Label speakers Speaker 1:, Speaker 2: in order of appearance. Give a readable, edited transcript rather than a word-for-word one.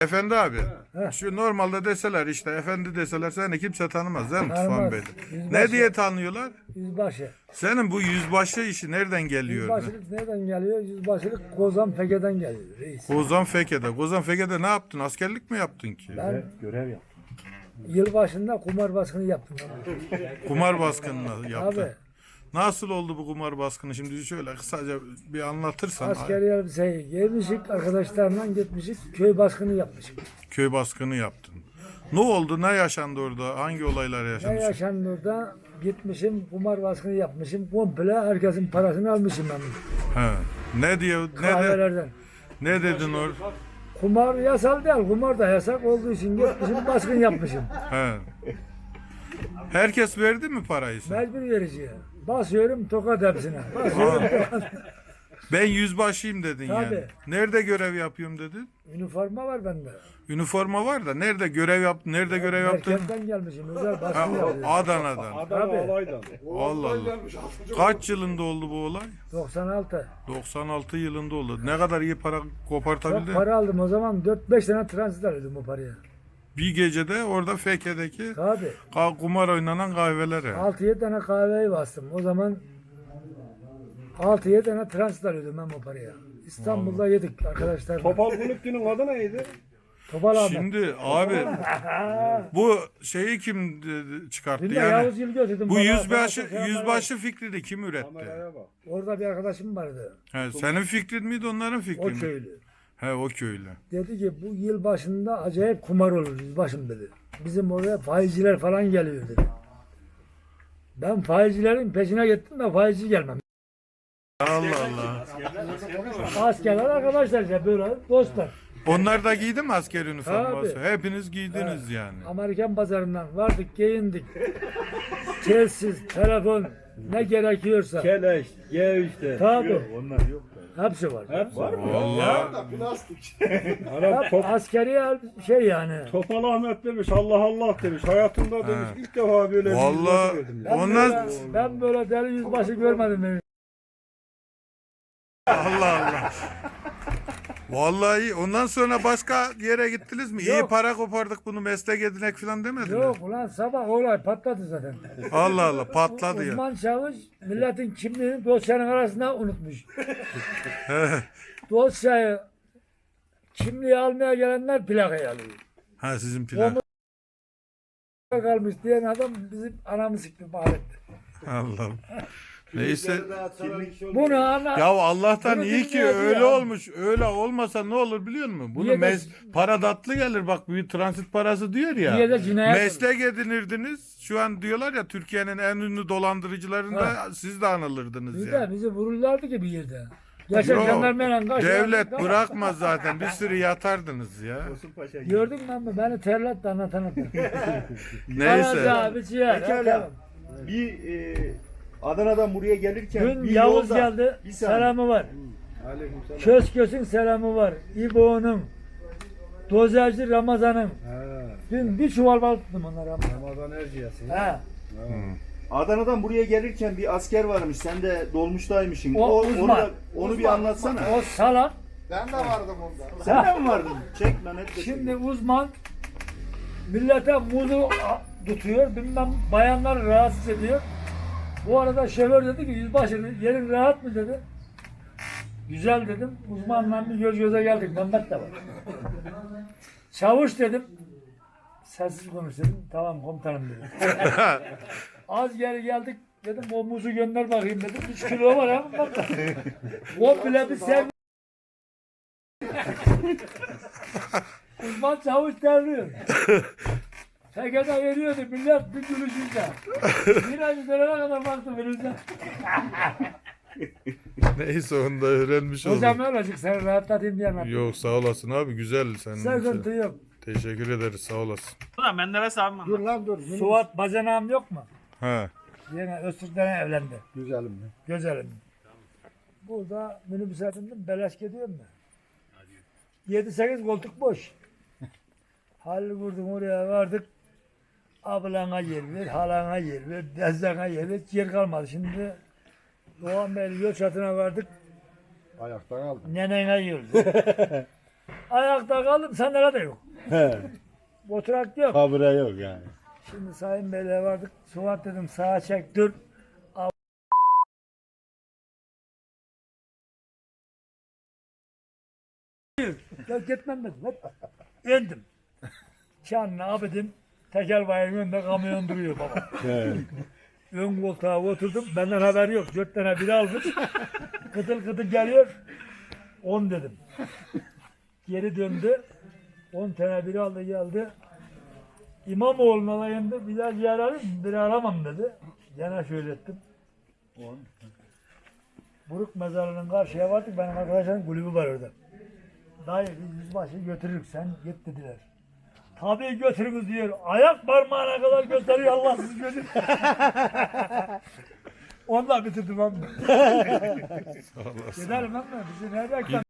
Speaker 1: Efendi abi,
Speaker 2: Heh.
Speaker 1: şu normalde deseler işte efendi deseler seni kimse tanımaz değil mi Tufan
Speaker 2: Tanımaz.
Speaker 1: Bey'de?
Speaker 2: Yüzbaşı.
Speaker 1: Ne diye tanıyorlar?
Speaker 2: Yüzbaşı.
Speaker 1: Senin bu yüzbaşı işi nereden geliyor?
Speaker 2: Yüzbaşılık nereden geliyor? Yüzbaşılık Kozan Feke'den geliyor reis.
Speaker 1: Kozan Feke'de. Kozan Feke'de ne yaptın? Askerlik mi yaptın ki?
Speaker 2: Ben
Speaker 3: Görev yaptım.
Speaker 2: yılbaşında kumar baskını yaptım.
Speaker 1: Kumar baskınını yaptın.
Speaker 2: Abi
Speaker 1: Nasıl oldu bu kumar baskını? Şimdi şöyle kısaca bir anlatırsan.
Speaker 2: askeri elbiseyi giymişik, arkadaşlarla gitmişik, köy baskını yapmışık.
Speaker 1: Köy baskını yaptın. Ne oldu? Ne yaşandı orada? Hangi olaylar
Speaker 2: Ne
Speaker 1: yaşandı?
Speaker 2: yaşandı orada? Gitmişim, kumar baskını yapmışım. Komple herkesin parasını almışım ben.
Speaker 1: He. Ne diyor?
Speaker 2: Kahvelerden.
Speaker 1: Ne dedin orada?
Speaker 2: Kumar yasal değil, kumar da yasak olduğu için gitmişim, baskın yapmışım.
Speaker 1: He. Herkes verdi mi parayı sana?
Speaker 2: Mecbur vericiye. Basıyorum tokat hepsine. Basıyorum tokat.
Speaker 1: Ben yüzbaşıyım dedin
Speaker 2: Tabii.
Speaker 1: yani. Nerede görev yapıyorum dedin?
Speaker 2: Üniforma var bende.
Speaker 1: Üniforma var da nerede görev yaptın? Nerede görev yaptın?
Speaker 2: Merkezden gelmişim, özel
Speaker 1: Ha,
Speaker 2: baskın yapıyorum.
Speaker 1: Adana'dan.
Speaker 3: Adana
Speaker 2: Tabii.
Speaker 3: alaydan.
Speaker 1: Allah Allah. Kaç yılında oldu bu olay?
Speaker 2: 96.
Speaker 1: 96 yılında oldu. Ne kadar iyi para
Speaker 2: Çok
Speaker 1: kopartabildin?
Speaker 2: para aldım o zaman, 4-5 tane transit alıyordum o paraya.
Speaker 1: Bir gecede orada Feke'deki
Speaker 2: Tabii.
Speaker 1: kumar oynanan kahvelere.
Speaker 2: 6-7 tane kahveyi bastım. O zaman 6-7 tane transit alıyordum ben o paraya. İstanbul'da yedik arkadaşlar.
Speaker 3: Topal Kulüpçü'nün adı neydi?
Speaker 2: Topal Ahmet.
Speaker 1: Şimdi abi bu şeyi kim çıkarttı
Speaker 2: Dün de
Speaker 1: yani?
Speaker 2: Yavuz Yıl götürdüm.
Speaker 1: Bu
Speaker 2: bana,
Speaker 1: yüzbaşı
Speaker 2: bana
Speaker 1: yüzbaşı fikrini kim üretti?
Speaker 3: Kameraya bak.
Speaker 2: Orada bir arkadaşım vardı.
Speaker 1: He, senin fikrin miydi onların fikri
Speaker 2: O
Speaker 1: mi?
Speaker 2: köylü.
Speaker 1: He o köylü.
Speaker 2: Dedi ki bu yıl başında acayip kumar olur yüzbaşım dedi. Bizim oraya faizciler falan geliyor dedi. Ben faizcilerin peşine gittim de faizci gelmem.
Speaker 1: Allah Allah.
Speaker 2: Askerler arkadaşlar işte böyle dostlar.
Speaker 1: Onlar da giydi mi asker üniforması?
Speaker 2: Tabii.
Speaker 1: Hepiniz giydiniz yani.
Speaker 2: Amerikan pazarından vardık, giyindik. Telsiz, telefon ne gerekiyorsa.
Speaker 3: Keleş, G3'te.
Speaker 2: Tabii.
Speaker 3: Onlar yok da.
Speaker 2: Hepsi var.
Speaker 3: Hep var mı?
Speaker 1: Vallahi
Speaker 3: Adam
Speaker 2: Hep askeri şey yani.
Speaker 3: Topal Ahmet demiş, Allah Allah demiş. Hayatımda demiş ilk defa böyle bir
Speaker 1: vallahi
Speaker 3: yüzbaşı gördüm.
Speaker 2: Ben,
Speaker 1: onlar
Speaker 2: ben böyle deli yüzbaşı görmedim. Ben.
Speaker 1: Allah Allah. Vallahi ondan sonra başka yere gittiniz mi? İyi
Speaker 2: Yok.
Speaker 1: para kopardık bunu meslek edinek falan demedin mi?
Speaker 2: Yok ulan sabah olay patladı zaten.
Speaker 1: Allah Allah patladı ya.
Speaker 2: Uzman çavuş milletin kimliğini dosyanın arasında unutmuş. Dosyayı kimliği almaya gelenler plakayı alıyor.
Speaker 1: Ha sizin plan.
Speaker 2: Kalmış diyen adam bizim anamı sikti mahalletti.
Speaker 1: Allah'ım. Neyse.
Speaker 2: Bunu ana...
Speaker 1: Ya Allah'tan
Speaker 2: Bunu
Speaker 1: iyi ki
Speaker 2: bilmiyordu
Speaker 1: öyle
Speaker 2: ya.
Speaker 1: olmuş. Öyle olmasa ne olur biliyor musun? Bunu
Speaker 2: Niye de-
Speaker 1: para tatlı gelir bak bir transit parası diyor ya.
Speaker 2: Niye de cinayet
Speaker 1: Meslek edinirdiniz. Şu an diyorlar ya Türkiye'nin en ünlü dolandırıcılarında siz de anılırdınız
Speaker 2: Bir
Speaker 1: ya.
Speaker 2: de bizi vururlardı ki bir yerde. Yaşar
Speaker 1: Yok,
Speaker 2: jandarmayla kaç.
Speaker 1: devlet bırakmaz zaten. Bir sürü yatardınız ya.
Speaker 2: Gördün mü ama beni terletti anlatan.
Speaker 1: Neyse.
Speaker 2: Abi ciğer.
Speaker 4: Pekala. Bir Adana'dan buraya gelirken
Speaker 2: Dün
Speaker 4: bir
Speaker 2: Yavuz
Speaker 4: yolda
Speaker 2: geldi.
Speaker 4: bir saniye.
Speaker 2: Selamı var.
Speaker 3: Aleykümselam.
Speaker 2: Kösköz'ün selamı var. İbo'nun. Dozerci Ramazan'ın.
Speaker 3: Ha,
Speaker 2: Dün bir çuval bal tuttum onlara.
Speaker 3: Ramazan Erciyes'i.
Speaker 2: Ha.
Speaker 4: Adana'dan buraya gelirken bir asker varmış. Sen de dolmuştaymışsın.
Speaker 2: O uzman.
Speaker 4: Onu bir anlatsana.
Speaker 2: O salak.
Speaker 5: Ben de vardım onda.
Speaker 4: Sen de mi vardın? Çek lan et de
Speaker 2: Şimdi uzman millete muzu tutuyor. Bilmem bayanlar rahatsız ediyor. Bu arada şoför dedi ki yüzbaşı yerin rahat mı dedi. Güzel dedim. Uzmanla bir göz göze geldik. Mehmet de var. Çavuş dedim. Sessiz konuş dedim. Tamam komutanım dedim. Az geri geldik dedim. O muzu gönder bakayım dedim. 3 kilo var ha. O bile bir sev. Uzman çavuş terliyor. Tekede veriyordu millet bir gülüşünce. Bir ay üzerine kadar baktım önümüze.
Speaker 1: Neyse onu da öğrenmiş
Speaker 2: Hocam
Speaker 1: olduk.
Speaker 2: öyle seni rahatlatayım diye anlattım.
Speaker 1: Yok sağ olasın abi güzel senin
Speaker 2: Sıkıntı
Speaker 1: için.
Speaker 2: yok.
Speaker 1: Teşekkür ederiz sağ olasın.
Speaker 6: Ulan Menderes abim
Speaker 2: Dur
Speaker 6: anlat.
Speaker 2: lan dur. Suat bacanağım yok mu?
Speaker 1: Ha.
Speaker 2: Yine Öztürk'ten evlendi.
Speaker 3: Güzelim mi?
Speaker 2: Güzelim. Burada minibüse bindim beleş gidiyorum ben. 7-8 koltuk boş. Halil vurdum oraya vardık. Ablana yer ver, halana yer ver, dezdana yer ver. Yer kalmadı. Şimdi Doğan Bey'in yol çatına vardık.
Speaker 3: Ayaktan aldım.
Speaker 2: Nenene yürüdü. Ayakta kaldım, sandalye de yok.
Speaker 3: He.
Speaker 2: Oturak yok.
Speaker 3: Kabire yok yani.
Speaker 2: Şimdi Sayın Bey'le vardık. Suat dedim sağa çek dur. Ya gitmem dedim. Hop. İndim. Çanını abidim. Teker bayırın önünde kamyon duruyor baba.
Speaker 3: He.
Speaker 2: Ön koltuğa oturdum. Benden haber yok. 4 tane biri almış. Kıtıl kıtıl geliyor. 10 dedim. Geri döndü. 10 tane biri aldı geldi. İmamoğlu'na alayında bir daha yer arayayım mı? Bir aramam dedi. Gene şöyle ettim. Buruk mezarının karşıya vardık. Benim arkadaşlarım kulübü var orada. Dayı biz yüzbaşı götürürük sen git dediler. Tabii götürürüz diyor. Ayak parmağına kadar gösteriyor Allah sizi götür. Onunla bitirdim ben. Gidelim ama bizi nereden